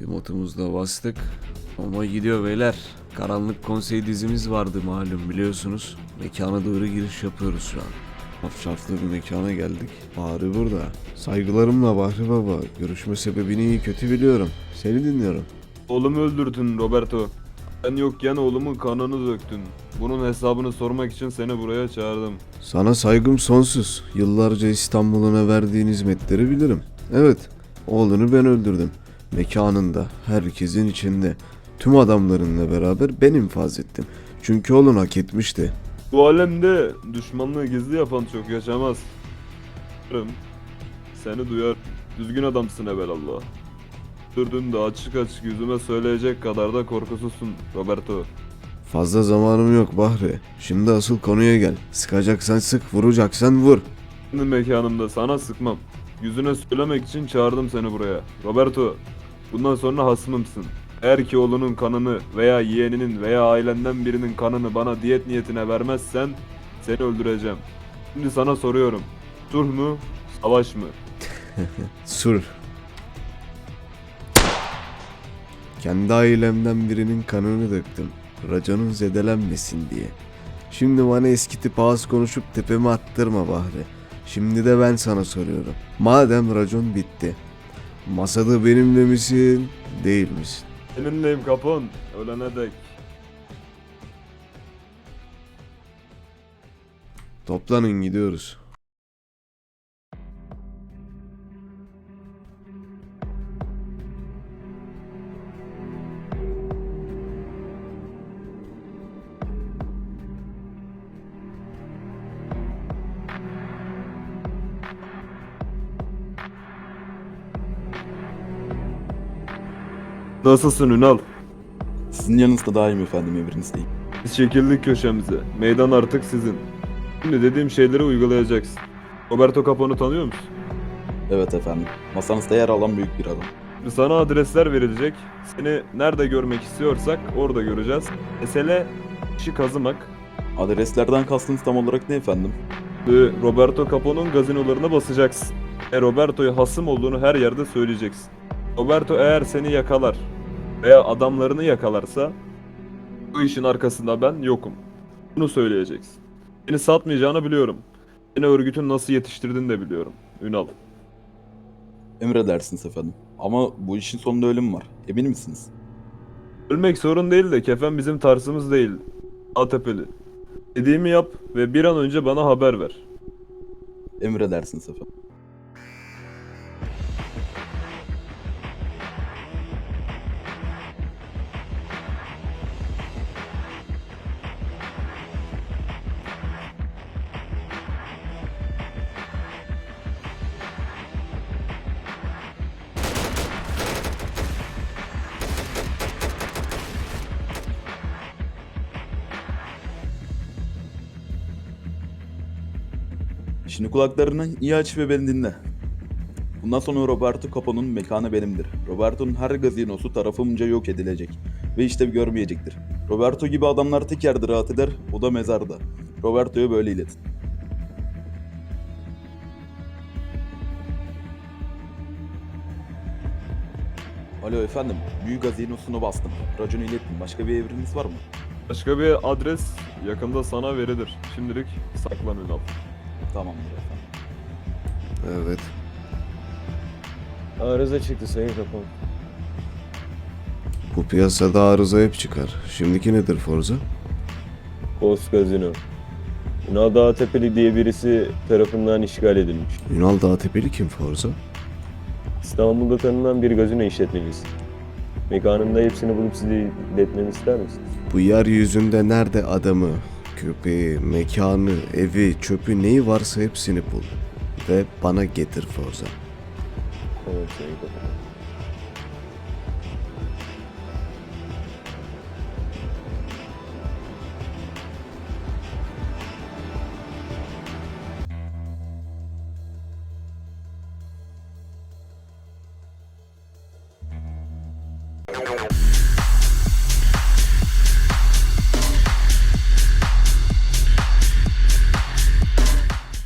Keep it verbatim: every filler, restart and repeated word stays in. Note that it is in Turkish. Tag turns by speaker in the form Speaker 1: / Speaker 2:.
Speaker 1: Bir motumuz da bastık. Ama gidiyor beyler. Karanlık Konsey dizimiz vardı malum biliyorsunuz. Mekana doğru giriş yapıyoruz şu an. Afşaflı bir mekana geldik. Bahri burada. Saygılarımla Bahri Baba. Görüşme sebebini iyi kötü biliyorum. Seni dinliyorum.
Speaker 2: Oğlumu öldürdün Roberto. Ben yokken oğlumun kanını döktün. Bunun hesabını sormak için seni buraya çağırdım.
Speaker 1: Sana saygım sonsuz. Yıllarca İstanbul'una verdiğin hizmetleri bilirim. Evet, oğlunu ben öldürdüm. Mekanında, herkesin içinde, tüm adamlarınla beraber ben infaz ettim. Çünkü oğlun hak etmişti.
Speaker 2: Bu alemde düşmanlığı gizli yapan çok yaşamaz. Seni duyar. Düzgün adamsın evelallah. Öldürdün de açık açık yüzüme söyleyecek kadar da korkusuzsun Roberto.
Speaker 1: Fazla zamanım yok Bahri. Şimdi asıl konuya gel. Sıkacaksan sık, vuracaksan vur.
Speaker 2: Kendi mekanımda sana sıkmam. Yüzüne söylemek için çağırdım seni buraya. Roberto, bundan sonra hasmımsın. Eğer ki oğlunun kanını veya yeğeninin veya ailenden birinin kanını bana diyet niyetine vermezsen seni öldüreceğim. Şimdi sana soruyorum. Sulh mu, savaş mı?
Speaker 1: Sur. Kendi ailemden birinin kanını döktüm. Raconun zedelenmesin diye. Şimdi bana eski tip ağız konuşup tepeme attırma Bahri. Şimdi de ben sana soruyorum. Madem racon bitti. Masada benimle misin, değil misin?
Speaker 2: Seninleyim kapon, ölene dek.
Speaker 1: Toplanın gidiyoruz.
Speaker 2: Nasılsın Ünal?
Speaker 3: Sizin yanınızda daha iyiyim efendim, emrinizdeyim.
Speaker 2: Biz çekildik köşemize. Meydan artık sizin. Şimdi dediğim şeyleri uygulayacaksın. Roberto Capone'u tanıyor musun?
Speaker 3: Evet efendim, masanızda yer alan büyük bir adam.
Speaker 2: Şimdi sana adresler verilecek. Seni nerede görmek istiyorsak orada göreceğiz. Mesele işi kazımak.
Speaker 3: Adreslerden kastınız tam olarak ne efendim?
Speaker 2: Ve Roberto Capone'un gazinolarına basacaksın. E Roberto'ya hasım olduğunu her yerde söyleyeceksin. Roberto eğer seni yakalar veya adamlarını yakalarsa bu işin arkasında ben yokum. Bunu söyleyeceksin. Seni satmayacağını biliyorum. Seni örgütün nasıl yetiştirdiğini de biliyorum. Ünal.
Speaker 3: Emredersiniz efendim. Ama bu işin sonunda ölüm var. Emin misiniz?
Speaker 2: Ölmek sorun değil de kefen bizim tarzımız değil. Atepeli. Dediğimi yap ve bir an önce bana haber ver.
Speaker 3: Emredersiniz efendim. Şimdi kulaklarını iyi aç ve beni dinle. Bundan sonra Roberto Capone'un mekanı benimdir. Roberto'nun her gazinosu tarafımca yok edilecek ve işlev görmeyecektir. Roberto gibi adamlar tek yerde rahat eder, o da mezarda. Roberto'ya böyle iletin. Alo efendim, büyük gazinosunu bastım. Raconu ilettim. Başka bir emriniz var mı?
Speaker 2: Başka bir adres yakında sana verilir. Şimdilik saklan Ünal.
Speaker 3: Tamamdır efendim.
Speaker 1: Evet.
Speaker 4: Arıza çıktı Sayın Kapon.
Speaker 1: Bu piyasada arıza hep çıkar. Şimdiki nedir Forza?
Speaker 4: Post Gazino. Ünal Dağtepe diye birisi tarafından işgal edilmiş.
Speaker 1: Ünal Dağtepeli kim Forza?
Speaker 4: İstanbul'da tanınan bir gazino işletmecisi. Mekanında hepsini bulup size iletmemi ister misiniz?
Speaker 1: Bu yeryüzünde nerede adamı, köpeği, mekanı, evi, çöpü neyi varsa hepsini bul. Ve bana getir Forza.
Speaker 4: Evet Sayın Kapon.